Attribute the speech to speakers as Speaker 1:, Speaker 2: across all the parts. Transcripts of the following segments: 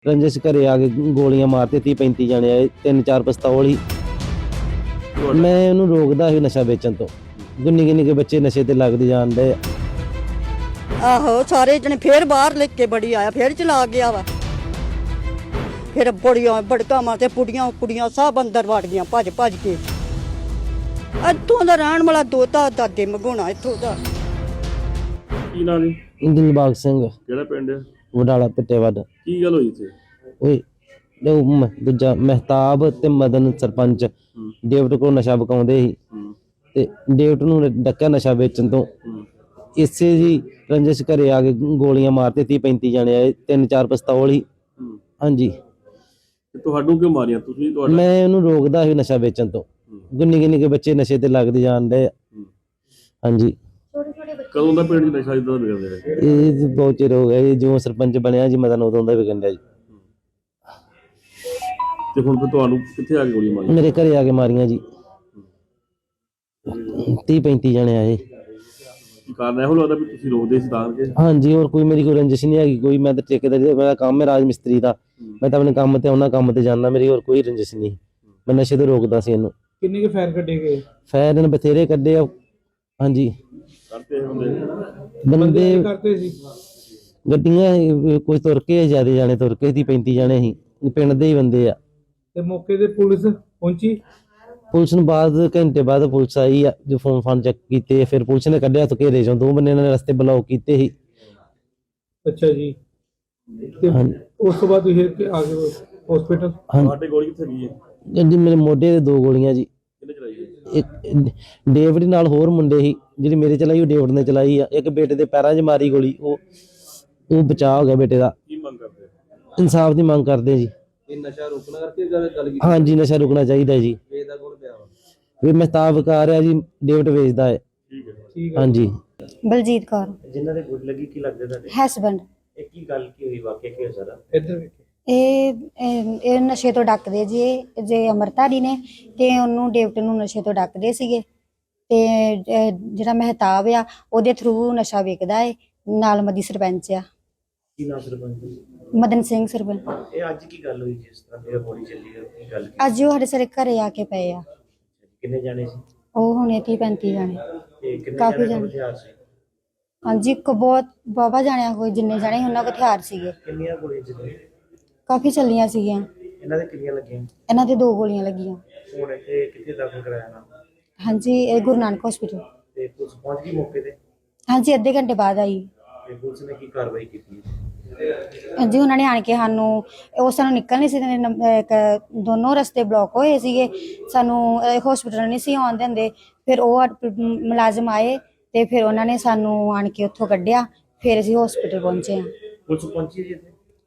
Speaker 1: रंजिश घरे आ के गोलियां मारते 30-35 जने आए 3-4 पिस्तौल ही। मैं ਉਹਨੂੰ ਰੋਕਦਾ ਸੀ ਨਸ਼ਾ ਵੇਚਣ ਤੋਂ। ਗੁੰਨੀ ਕੇ ਬੱਚੇ ਨਸ਼ੇ ਤੇ ਲੱਗਦੇ ਜਾਂਦੇ।
Speaker 2: ਆਹੋ ਸਾਰੇ ਜਣੇ ਫੇਰ ਬਾਹਰ ਲੈ ਕੇ ਬੜੀ ਆਇਆ ਫੇਰ ਚਲਾ ਗਿਆ ਵਾ। ਫਿਰ ਬੜੀਆਂ ਬੜਕਾ ਮਾਰ ਤੇ ਪੁੜੀਆਂ ਕੁੜੀਆਂ ਸਭ ਅੰਦਰ ਵੜ ਗਈਆਂ ਭੱਜ ਕੇ। ਇੱਥੋਂ ਦਾ ਰਹਿਣ ਵਾਲਾ ਦੋਤਾ ਦਾਦੇ ਮਗਾਉਣਾ ਇੱਥੋਂ ਦਾ।
Speaker 3: ਕੀ ਨਾਂ ਜੀ?
Speaker 1: ਦਿਲਬਾਗ ਸਿੰਘ।
Speaker 3: ਕਿਹੜਾ ਪਿੰਡ ਹੈ?
Speaker 1: ਵਡਾਲਾ ਪਿੱਟੇਵੱਡ।
Speaker 3: ਕੀ ਗੱਲ ਹੋਈ ਇੱਥੇ?
Speaker 1: ਓਏ ਦੂਜਾ ਮਹਿਤਾਬ ਤੇ ਮਦਨ ਸਰਪੰਚ ਡੇਵਟ ਕੋਲ ਨਸ਼ਾ ਵਿਕਾਉਂਦੇ ਸੀ ਤੇ ਡੇਵਟ ਨੂੰ ਡੱਕਿਆ ਨਸ਼ਾ ਵੇਚਣ ਤੋਂ। ਇਸੇ ਜੀ ਰੰਜਿਸ਼ ਘਰੇ ਆ ਕੇ ਗੋਲੀਆਂ ਮਾਰਤੇ 30-35 ਜਣੇ ਆਏ 3-4 ਪਿਸਤੌਲ ਹੀ। ਹਾਂਜੀ।
Speaker 3: ਤੁਹਾਨੂੰ ਕਿਉਂ ਮਾਰੀਆਂ ਤੁਸੀਂ?
Speaker 1: ਮੈਂ ਉਹਨੂੰ ਰੋਕਦਾ ਸੀ ਨਸ਼ਾ ਵੇਚਣ ਤੋਂ। ਗੁੰਨੀ ਕੇ ਬੱਚੇ ਨਸ਼ੇ ਤੇ ਲੱਗਦੇ ਜਾਂਦੇ। ਹਾਂਜੀ।
Speaker 3: ਕਦੋਂ ਦਾ ਪਿੰਡ 'ਚ ਨਸ਼ਾ ਇਦਾਂ ਦਾ ਵਿਗੜ ਰਿਹਾ?
Speaker 1: ਇਹ ਬਹੁਤ ਚਿਰ ਹੋ ਗਿਆ ਜੀ, ਜਿਉਂ ਸਰਪੰਚ ਬਣਿਆ ਜੀ ਮਦਨ ਉਦੋਂ ਦਾ ਵਿਕਣ ਡਿਆ ਜੀ।
Speaker 3: ਤੇ ਹੁਣ ਫਿਰ ਤੁਹਾਨੂੰ ਕਿੱਥੇ ਆ ਕੇ ਗੋਲੀ ਮਾਰੀ?
Speaker 1: ਮੇਰੇ ਘਰੇ ਆ ਕੇ ਮਾਰੀਆਂ ਜੀ 30-35 ਜਣੇ ਆਏ।
Speaker 3: ਕੀ ਕਾਰਨ ਇਹੋ ਲੱਗਦਾ ਵੀ ਤੁਸੀਂ ਰੋਕਦੇ ਸੀ ਤਾਂ ਕਿ?
Speaker 1: ਹਾਂਜੀ, ਹੋਰ ਕੋਈ ਮੇਰੀ ਕੋਈ ਰੰਜਿਸ਼ ਨਹੀਂ ਹੈਗੀ ਕੋਈ। ਮੈਂ ਤਾਂ ਠੇਕੇਦਾਰੀ ਮੇਰਾ ਕੰਮ ਹੈ ਰਾਜ ਮਿਸਤਰੀ ਦਾ। ਮੈਂ ਤਾਂ ਆਪਣੇ ਕੰਮ ਤੇ ਆਉਣਾ, ਕੰਮ ਤੇ ਜਾਂਦਾ। ਮੇਰੀ ਹੋਰ ਕੋਈ ਰੰਜਿਸ਼ ਨਹੀਂ। ਮੈਂ ਨਸ਼ੇ ਤੋਂ ਰੋਕਦਾ ਸੀ ਇਹਨੂੰ।
Speaker 4: ਕਿੰਨੇ ਕੇ ਫਾਇਰ ਕੱਢੇ ਗਏ?
Speaker 1: ਫਾਇਰ ਇਹਨੇ ਬਥੇਰੇ ਕੱਢੇ ਆ। ਹਾਂਜੀ।
Speaker 3: ਕਰਤੇ
Speaker 1: ਬੰਦੇ
Speaker 4: ਕਰਦੇ ਸੀ
Speaker 1: ਗੱਡੀਆਂ ਕੋਈ ਤੁਰ ਕੇ ਜ਼ਿਆਦਾ ਜਾਣੇ ਤੁਰ ਕੇ 30-35 ਜਣੇ ਸੀ ਪਿੰਡ ਦੇ ਹੀ ਬੰਦੇ ਆ।
Speaker 4: ਤੇ ਮੌਕੇ ਤੇ ਪੁਲਿਸ ਪਹੁੰਚੀ?
Speaker 1: ਪੁਲਿਸ ਨੂੰ ਬਾਅਦ ਘੰਟੇ ਬਾਅਦ ਪੁਲਿਸ ਆਈ ਆ, ਜੋ ਫੋਨ ਚੈੱਕ ਕੀਤੇ। ਫਿਰ ਪੁਲਿਸ ਨੇ ਕੱਢਿਆ ਤੋਂ ਘੇਰੇ ਚੋਂ। 2 ਬੰਦੇ ਇਹਨਾਂ ਨੇ ਰਸਤੇ ਬਲੌਕ ਕੀਤੇ ਸੀ।
Speaker 4: ਅੱਛਾ ਜੀ। ਤੇ ਉਸ ਤੋਂ ਬਾਅਦ ਤੁਸੀਂ ਆ ਗਏ ਹਸਪੀਟਲ?
Speaker 3: ਤੁਹਾਡੇ ਗੋਲੀ ਕਿੱਥੇ ਗਈ ਹੈ?
Speaker 1: ਜੀ ਮੇਰੇ ਮੋਢੇ ਤੇ 2 ਗੋਲੀਆਂ ਜੀ।
Speaker 3: ਕਿਹਨੇ ਚਲਾਈ ਹੈ?
Speaker 1: ਇੱਕ ਡੇਵਿਡ ਨਾਲ ਹੋਰ ਮੁੰਡੇ ਸੀ। ਜਿਹੜੀ ਮੇਰੇ ਚਲਾਈ ਉਹ ਡੇਵਿਡ ਨੇ ਚਲਾਈ ਆ। ਇੱਕ ਬੇਟੇ ਦੇ ਪੈਰਾਂ 'ਚ ਮਾਰੀ ਗੋਲੀ। ਉਹ ਬਚਾਅ ਹੋ ਗਿਆ ਬੇਟੇ ਦਾ।
Speaker 3: ਕੀ ਮੰਗ ਕਰਦੇ?
Speaker 1: ਇਨਸਾਫ ਦੀ ਮੰਗ ਕਰਦੇ ਜੀ।
Speaker 4: ਇਹ ਨਸ਼ਾ ਰੋਕਣਾ ਕਰਕੇ ਗੱਲ ਕੀਤੀ?
Speaker 1: ਹਾਂਜੀ, ਨਸ਼ਾ ਰੁਕਣਾ ਚਾਹੀਦਾ ਜੀ।
Speaker 4: ਵੇਚਦਾ ਕੋਲ ਪਿਆ ਵਾ?
Speaker 1: ਵੀ ਮਹਿਤਾਬ ਵਿਕਾ ਰਿਹਾ ਜੀ, ਡੇਵਿਡ ਵੇਚਦਾ ਹੈ।
Speaker 3: ਠੀਕ ਹੈ।
Speaker 4: ਠੀਕ ਹੈ।
Speaker 1: ਹਾਂਜੀ।
Speaker 5: ਬਲਜੀਤ ਕੌਰ।
Speaker 6: ਜਿਨ੍ਹਾਂ ਦੇ ਗੁੱਡ ਲੱਗੀ ਕੀ ਲੱਗਦਾ ਤੁਹਾਡੇ?
Speaker 5: ਹਸਬੈਂਡ।
Speaker 6: ਇਹ ਕੀ ਗੱਲ ਕੀ ਹੋਈ, ਵਾਕਿਆ ਕੀ ਹੋਇਆ ਸਾਰਾ?
Speaker 4: ਇੱਧਰ ਵੇਖੋ।
Speaker 5: ਇਹ ਨਸ਼ੇ ਤੋਂ ਡੱਕਦੇ ਜੀ। ਜੇ ਅਮਰਤਾਰੀ ਨੇ ਤੇ ਉਹਨੂੰ ਡੇਵਟ ਨੂੰ ਨਸ਼ੇ ਤੋਂ ਡੱਕਦੇ ਸੀਗੇ ਤੇ ਜਿਹੜਾ ਮਹਿਤਾਬ ਆ ਉਹਦੇ ਥਰੂ ਨਸ਼ਾ ਵੇਚਦਾ ਹੈ। ਨਾਲ ਮਦੀ ਸਰਪੰਚ ਆ।
Speaker 6: ਕੀ ਨਾਮ ਸਰਪੰਚ?
Speaker 5: ਮਦਨ ਸਿੰਘ ਸਰਪੰਚ।
Speaker 6: ਇਹ ਅੱਜ ਕੀ ਗੱਲ ਹੋਈ ਜਿਸ ਤਰ੍ਹਾਂ ਮੇਰਾ ਗੋਲੀ ਚੱਲੀ ਹੈ? ਕੀ ਗੱਲ ਕੀ?
Speaker 5: ਅੱਜ ਉਹ ਸਾਡੇ ਸਾਰੇ ਘਰੇ ਆ ਕੇ ਪਏ ਆ।
Speaker 6: ਕਿੰਨੇ ਜਾਣੇ ਸੀ?
Speaker 5: ਉਹ ਹੁਣੇ 30-35 ਜਾਣੇ।
Speaker 6: ਤੇ ਕਿੰਨੇ
Speaker 5: ਕਾਫੀ
Speaker 6: ਜਾਣੇ ਕੋਲ
Speaker 5: ਜਾਣੇ।
Speaker 6: ਹਥਿਆਰ ਸੀ?
Speaker 5: ਹਾਂਜੀ, ਬਹੁਤ ਬਾਬਾ ਜਾਣਿਆ ਕੋਈ ਜਿੰਨੇ ਜਾਣੇ ਉਹਨਾਂ ਕੋਲ ਹਥਿਆਰ ਸੀਗੇ।
Speaker 6: ਕਿੰਨੀਆਂ ਗੋਲੀਆਂ ਚੱਲੀਆਂ?
Speaker 5: ਕਾਫੀ ਚੱਲੀਆਂ ਸੀਗੀਆਂ।
Speaker 6: ਇਹਨਾਂ ਦੇ ਕਿੰਨੀਆਂ ਲੱਗੀਆਂ?
Speaker 5: ਇਹਨਾਂ ਤੇ 2 ਗੋਲੀਆਂ ਲੱਗੀਆਂ।
Speaker 6: ਹੁਣ ਇੱਥੇ ਕਿੱਥੇ ਦਾਖਲ ਕਰਾਇਆ ਨਾ?
Speaker 5: ਹਾਂਜੀ, ਇਹ ਗੁਰੂ ਨਾਨਕ ਹਸਪੀਟਲ।
Speaker 6: ਤੇ ਪੁਲਿਸ ਪਹੁੰਚ ਗਈ ਮੌਕੇ ਤੇ?
Speaker 5: ਹਾਂਜੀ, ਅੱਧੇ ਘੰਟੇ ਬਾਅਦ ਆਈ।
Speaker 6: ਤੇ ਪੁਲਿਸ ਨੇ ਕੀ ਕਾਰਵਾਈ ਕੀਤੀ?
Speaker 5: ਜੀ ਉਹਨਾਂ ਨੇ ਆਣ ਕੇ ਸਾਨੂੰ ਉਸ ਸਾਨੂੰ ਨਿਕਲ ਨਹੀਂ ਸੀ ਦਿੰਦੇ। ਦੋਨੋਂ ਰਸਤੇ ਬਲੌਕ ਹੋਏ ਸੀਗੇ। ਸਾਨੂੰ ਹਸਪੀਟਲ ਨਹੀਂ ਸੀ ਆਉਣ ਦਿੰਦੇ। ਫਿਰ ਉਹ ਮੁਲਾਜ਼ਮ ਆਏ ਤੇ ਫਿਰ ਉਹਨਾਂ ਨੇ ਸਾਨੂੰ ਆਣ ਕੇ ਉੱਥੋਂ ਕੱਢਿਆ। ਫਿਰ ਅਸੀਂ ਹਸਪੀਟਲ ਪਹੁੰਚੇ ਹਾਂ।
Speaker 6: ਪੁਲਿਸ ਪਹੁੰਚੀ ਜੀ ਇੱਥੇ?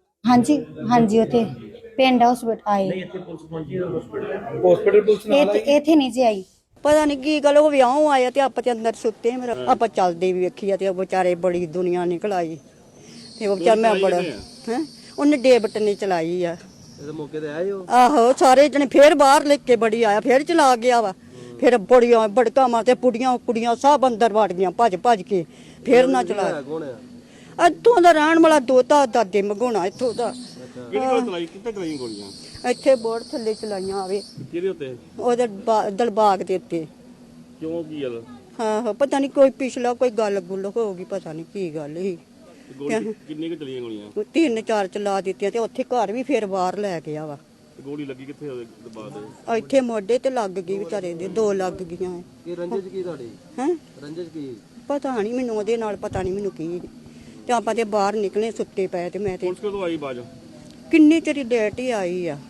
Speaker 5: ਹਾਂਜੀ ਉੱਥੇ ਪਿੰਡ ਹਸਪੀਟਲ ਆਏ।
Speaker 6: ਨਹੀਂ, ਇੱਥੇ ਪੁਲਿਸ ਪਹੁੰਚੀ ਹਸਪੀਟਲ
Speaker 4: ਪੁਲਿਸ ਨਾਲ ਆਈ?
Speaker 5: ਇੱਥੇ ਨਹੀਂ ਜੀ ਆਈ।
Speaker 2: ਪਤਾ ਨਹੀਂ ਕੀ ਗੱਲ ਉਹ ਵਿਆਹ ਆਇਆ ਤੇ ਆਪਾਂ ਤੇ ਅੰਦਰ ਸੁੱਤੇ। ਮੇਰਾ ਆਪਾਂ ਚੱਲਦੇ ਵੀ ਵੇਖੀ ਆ ਤੇ ਉਹ ਵਿਚਾਰੇ ਬੜੀ ਦੁਨੀਆ ਨਿਕਲ ਆਈ ਤੇ ਉਹ ਵਿਚਾਰ ਮੈਂ ਬੜਾ ਹੈ ਉਹਨੇ ਡੇਵਟ ਨੇ ਚਲਾਈ ਆ।
Speaker 4: ਇਹਦੇ ਮੌਕੇ ਤੇ ਆਏ ਹੋ?
Speaker 2: ਆਹੋ ਸਾਰੇ ਜਣੇ ਫੇਰ ਬਾਹਰ ਲੈ ਕੇ ਬੜੀ ਆਇਆ ਫੇਰ ਚਲਾ ਗਿਆ ਵਾ। ਫਿਰ ਬੜੀਆਂ ਬੜਕਾ ਮਾਰ ਤੇ ਪੁੜੀਆਂ ਕੁੜੀਆਂ ਸਭ ਅੰਦਰ ਵੜ ਗਈਆਂ ਭੱਜ ਕੇ। ਫੇਰ ਨਾ ਚਲਾਇਆ।
Speaker 4: ਕੌਣ ਆ?
Speaker 2: ਇੱਥੋਂ ਦਾ ਰਹਿਣ ਵਾਲਾ ਦੋਤਾ ਦਾਦੇ ਮਗਾਉਣਾ ਇੱਥੋਂ ਦਾ।
Speaker 3: ਕਿਹੜੀ ਕੋਲ ਚਲਾਈ? ਕਿੱਥੇ ਚਲਾਈਆਂ ਗੋਲੀਆਂ?
Speaker 2: ਇੱਥੇ ਬੋਰਡ ਥੱਲੇ ਚਲਾਈਆਂ ਆਵੇ
Speaker 3: ਕਿਹਦੇ ਉੱਤੇ?
Speaker 2: ਉਹਦੇ ਦਲਬਾਗ ਦੇ ਉੱਤੇ।
Speaker 3: ਕਿਉਂ ਕੀ ਗੱਲ?
Speaker 2: ਹਾਂ ਪਤਾ ਨਹੀਂ ਕੋਈ ਪਿਛਲਾ ਕੋਈ ਗੱਲ ਗੁੱਲ ਹੋ ਗਈ। ਪਤਾ ਨਹੀਂ ਕੀ ਗੱਲ ਸੀ।
Speaker 3: ਗੋਲੀ ਕਿੰਨੇ ਕੁ ਚਲੀਆਂ ਗੋਲੀਆਂ?
Speaker 2: 3-4 ਚਲਾ ਦਿੱਤੀਆਂ ਤੇ ਉੱਥੇ ਘਰ ਵੀ ਫਿਰ ਬਾਹਰ ਲੈ ਗਿਆ ਵਾ।
Speaker 3: ਗੋਲੀ ਲੱਗੀ ਕਿੱਥੇ ਉਹਦੇ ਬਾਅਦ?
Speaker 2: ਇੱਥੇ ਮੋਢੇ ਤੇ ਲੱਗ ਗਈ ਵਿਚਾਰੇ ਦੇ 2 ਲੱਗ ਗਈਆਂ।
Speaker 4: ਕੀ ਰੰਜਿਸ਼ ਕੀ ਤੁਹਾਡੀ?
Speaker 2: ਹੈ
Speaker 4: ਰੰਜਿਸ਼ ਕੀ?
Speaker 2: ਪਤਾ ਨਹੀਂ ਮੈਨੂੰ ਉਹਦੇ ਨਾਲ ਪਤਾ ਨਹੀਂ ਮੈਨੂੰ ਕੀ। ਤੇ ਆਪਾਂ ਤੇ ਬਾਹਰ ਨਿਕਲੇ ਸੁੱਤੇ ਪਏ ਤੇ ਮੈਂ ਤੇ
Speaker 3: ਪੁਲਿਸ ਕਦੋਂ ਆਈ ਬਾਜ?
Speaker 2: ਕਿੰਨੀ ਤੇਰੀ ਡੇਟ ਹੀ ਆਈ ਆ।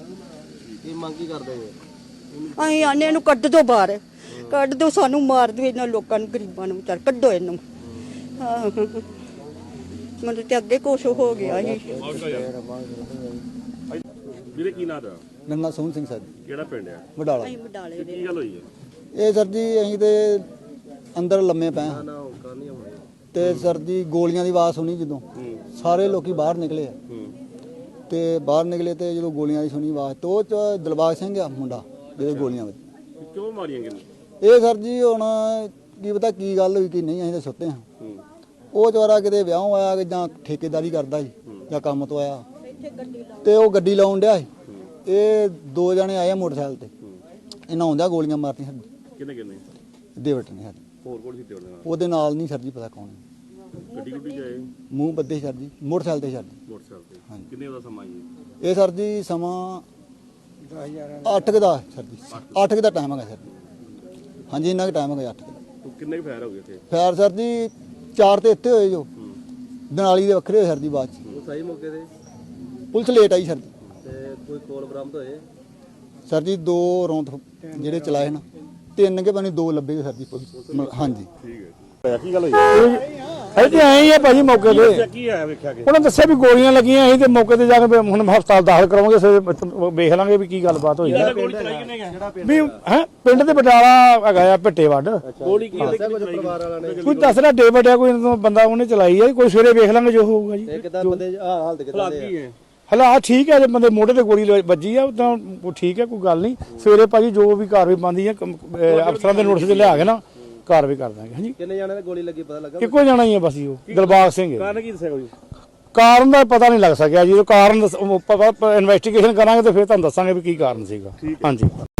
Speaker 4: ਕੀ ਮੰਗ ਕੀ ਕਰਦੇ ਹੋ?
Speaker 2: ਅਸੀਂ ਆਨੇ ਇਹਨੂੰ ਕੱਢ ਦੋ ਬਾਹਰ। ਕੱਢ ਦੋ ਸਾਨੂੰ ਮਾਰ ਦਿਓ ਇਹਨਾਂ ਲੋਕਾਂ ਨੂੰ ਗਰੀਬਾਂ ਨੂੰ ਵਿਚਾਰ ਕੱਢੋ ਇਹਨੂੰ। ਹਾਂ ਮੈਨੂੰ ਤੇ ਅੱਗੇ ਕੁਛ ਹੋ ਗਿਆ ਸੀ।
Speaker 3: ਵੀਰੇ ਕੀ ਨਾਂ ਦਾ?
Speaker 7: ਨੰਨਾ ਸੋਹਣ ਸਿੰਘ ਸਰ।
Speaker 3: ਕਿਹੜਾ ਪਿੰਡ ਹੈ?
Speaker 7: ਵਡਾਲਾ।
Speaker 2: ਅਸੀਂ ਬਡਾਲੇ ਦੇ
Speaker 3: ਕੀ ਗੱਲ ਹੋਈ ਹੈ?
Speaker 7: ਇਹ ਸਰ ਜੀ ਅਸੀਂ ਤੇ ਅੰਦਰ ਲੰਮੇ ਪਏ ਹਾਂ ਤੇ ਸਰ ਜੀ ਗੋਲੀਆਂ ਦੀ ਆਵਾਜ਼ ਸੁਣੀ ਜਦੋਂ ਸਾਰੇ ਲੋਕੀ ਬਾਹਰ ਨਿਕਲੇ ਤੇ ਬਾਹਰ ਨਿਕਲੇ ਤੇ ਜਦੋਂ ਗੋਲੀਆਂ ਦੀ ਸੁਣੀ ਆਵਾਜ਼ ਤੇ ਉਹ ਚ ਦਿਲਬਾਗ ਸਿੰਘ ਆ ਮੁੰਡਾ ਜਿਹਦੇ ਗੋਲੀਆਂ ਵਿੱਚ।
Speaker 3: ਕਿਉਂ ਮਾਰੀਆਂ ਕਿੰਨੇ?
Speaker 7: ਇਹ ਸਰ ਜੀ ਹੁਣ ਕੀ ਪਤਾ ਕੀ ਗੱਲ ਹੋਈ ਕਿ ਨਹੀਂ, ਅਸੀਂ ਤਾਂ ਸੁੱਤੇ ਹਾਂ। ਉਹ ਚਵਾਰਾ ਕਿਤੇ ਵਿਆਹ ਆਇਆ ਕਿ ਜਾਂ ਠੇਕੇਦਾਰੀ ਕਰਦਾ ਸੀ ਜਾਂ ਕੰਮ ਤੋਂ ਆਇਆ ਤੇ ਉਹ ਗੱਡੀ ਲਾਉਣ ਡਿਆ ਸੀ। ਇਹ ਦੋ ਜਣੇ ਆਏ ਆ ਮੋਟਰਸਾਈਕਲ ਤੇ, ਇਹਨਾਂ ਆਉਂਦਿਆਂ ਗੋਲੀਆਂ ਮਾਰਤੀਆਂ ਸਰ ਜੀ।
Speaker 3: ਕਿੰਨੇ
Speaker 7: ਡੇਵਿਡ ਨੇ ਸਰ ਜੀ।
Speaker 3: ਹੋਰ ਕੋਲ ਸੀ ਤੇ ਉਹਦੇ ਨਾਲ
Speaker 7: ਉਹਦੇ ਨਾਲ ਨਹੀਂ ਸਰ ਜੀ ਪਤਾ ਕੌਣ ਹੈ।
Speaker 3: ਗੱਡੀ ਗੁੱਡੀ ਗਏ
Speaker 7: ਮੂੰਹ ਬੱਦੇ ਸਰ ਜੀ, ਮੋਟਰਸਾਈਕਲ ਤੇ ਸਰ ਜੀ।
Speaker 3: ਮੋਟਰਸਾਈਕਲ ਤੇ
Speaker 7: ਹਾਂਜੀ।
Speaker 3: ਕਿੰਨੇ ਦਾ ਸਮਾਂ ਜੀ?
Speaker 7: ਇਹ ਸਰ ਜੀ ਸਮਾਂ 8 ਦਾ ਸਰ ਜੀ, 8 ਦਾ ਟਾਈਮ ਹੈਗਾ ਸਰ ਜੀ। ਹਾਂਜੀ ਇੰਨਾ ਕੁ ਟਾਈਮ ਹੈਗਾ 8 ਦਾ।
Speaker 3: ਤੂੰ ਕਿੰਨੇ ਫਾਇਰ ਹੋ ਗਏ ਇੱਥੇ?
Speaker 7: ਫਾਇਰ ਸਰ ਜੀ 4 ਤੇ ਇੱਥੇ ਹੋਏ ਜੋ, ਦਨਾਲੀ ਦੇ ਵੱਖਰੇ ਹੋਏ ਸਰ ਜੀ ਬਾਅਦ ਚ।
Speaker 3: ਸਹੀ ਮੌਕੇ ਤੇ
Speaker 7: ਪੁਲਿਸ ਲੇਟ ਆਈ ਸਰ ਜੀ।
Speaker 3: ਤੇ ਕੋਈ ਕੋਲ ਬਰਾਮਦ ਹੋਏ?
Speaker 7: ਸਰ ਜੀ 2 ਰੌਂਦ ਜਿਹੜੇ ਚਲਾਏ ਨਾ, 3 ਕੇ ਬਣੀ 2 ਲੱਭੇ ਸਰ ਜੀ ਪੁਲਿਸ। ਹਾਂਜੀ
Speaker 3: ਠੀਕ ਹੈ। ਕੀ ਗੱਲ ਹੋਈ?
Speaker 8: ਇੱਥੇ ਆਏ ਹੀ ਆ ਭਾਜੀ ਮੌਕੇ ਤੇ।
Speaker 3: ਕੀ ਆਇਆ ਵੇਖਿਆ ਕਿ
Speaker 8: ਉਹਨਾਂ ਦੱਸਿਆ ਵੀ ਗੋਲੀਆਂ ਲੱਗੀਆਂ ਸੀ ਤੇ ਮੌਕੇ ਤੇ ਜਾ ਕੇ ਹੁਣ ਹਸਪਤਾਲ ਦਾਖਲ ਕਰਾਵਾਂਗੇ, ਫਿਰ ਵੇਖ ਲਾਂਗੇ ਵੀ ਕੀ ਗੱਲਬਾਤ ਹੋਈ ਹੈ।
Speaker 3: ਗੋਲੀ ਚਲਾਈ ਕਿਨੇ ਗਿਆ?
Speaker 8: ਵੀ ਹੈ ਪਿੰਡ ਦੇ ਬਟਾਲਾ ਹੈਗਾ ਆ ਭਿੱਟੇ ਵੱਡ,
Speaker 3: ਗੋਲੀ ਕੀ ਦੱਸਿਆ ਕੁਝ ਪਰਿਵਾਰ ਵਾਲਿਆਂ ਨੇ?
Speaker 8: ਕੋਈ ਦੱਸਦਾ ਡੇਵਿਡ ਆ ਕੋਈ ਇਹਨਾਂ ਤੋਂ ਬੰਦਾ, ਉਹਨੇ ਚਲਾਈ ਹੈ। ਕੋਈ ਸਵੇਰੇ ਵੇਖ ਲਾਂਗੇ ਜੋ ਹੋਊਗਾ ਜੀ।
Speaker 3: ਕਿਦਾਂ ਬੰਦੇ ਹਾਲਤ ਕਿਦਾਂ ਦੇ ਹੈ?
Speaker 8: ਹਾਲਾਤ ਠੀਕ ਹੈ, ਜੇ ਬੰਦੇ ਮੋਢੇ ਤੇ ਗੋਲੀ ਵੱਜੀ ਆ ਤਾਂ ਉਹ ਠੀਕ ਹੈ, ਕੋਈ ਗੱਲ ਨਹੀਂ। ਸਵੇਰੇ ਭਾਜੀ ਜੋ ਵੀ ਕਾਰਵਾਈ ਬਣਦੀ ਹੈ ਅਫਸਰਾਂ ਦੇ ਨੋਟਿਸ ਤੇ ਲਿਆ ਕੇ ਨਾ ਕਾਰਵਾਈ ਕਰ ਦਾਂਗੇ। ਹਾਂਜੀ
Speaker 3: ਕਿੰਨੇ ਜਾਣੇ ਤੇ ਗੋਲੀ ਲੱਗੀ ਪਤਾ ਲੱਗਾ?
Speaker 8: ਇੱਕੋ ਜਾਣਾ ਹੀ ਹੈ ਬਸ ਜੀ, ਉਹ ਦਿਲਬਾਗ ਸਿੰਘ ਹੈ।
Speaker 3: ਕਾਰਨ ਕੀ ਦੱਸਿਆ ਕੋਈ?
Speaker 8: ਕਾਰਨ ਦਾ ਪਤਾ ਨਹੀਂ ਲੱਗ ਸਕਿਆ ਜੀ, ਉਹ ਕਾਰਨ ਇਨਵੈਸਟੀਗੇਸ਼ਨ ਕਰਾਂਗੇ ਤੇ ਫਿਰ ਤੁਹਾਨੂੰ ਦੱਸਾਂਗੇ ਵੀ ਕੀ ਕਾਰਨ ਸੀਗਾ। ਹਾਂਜੀ।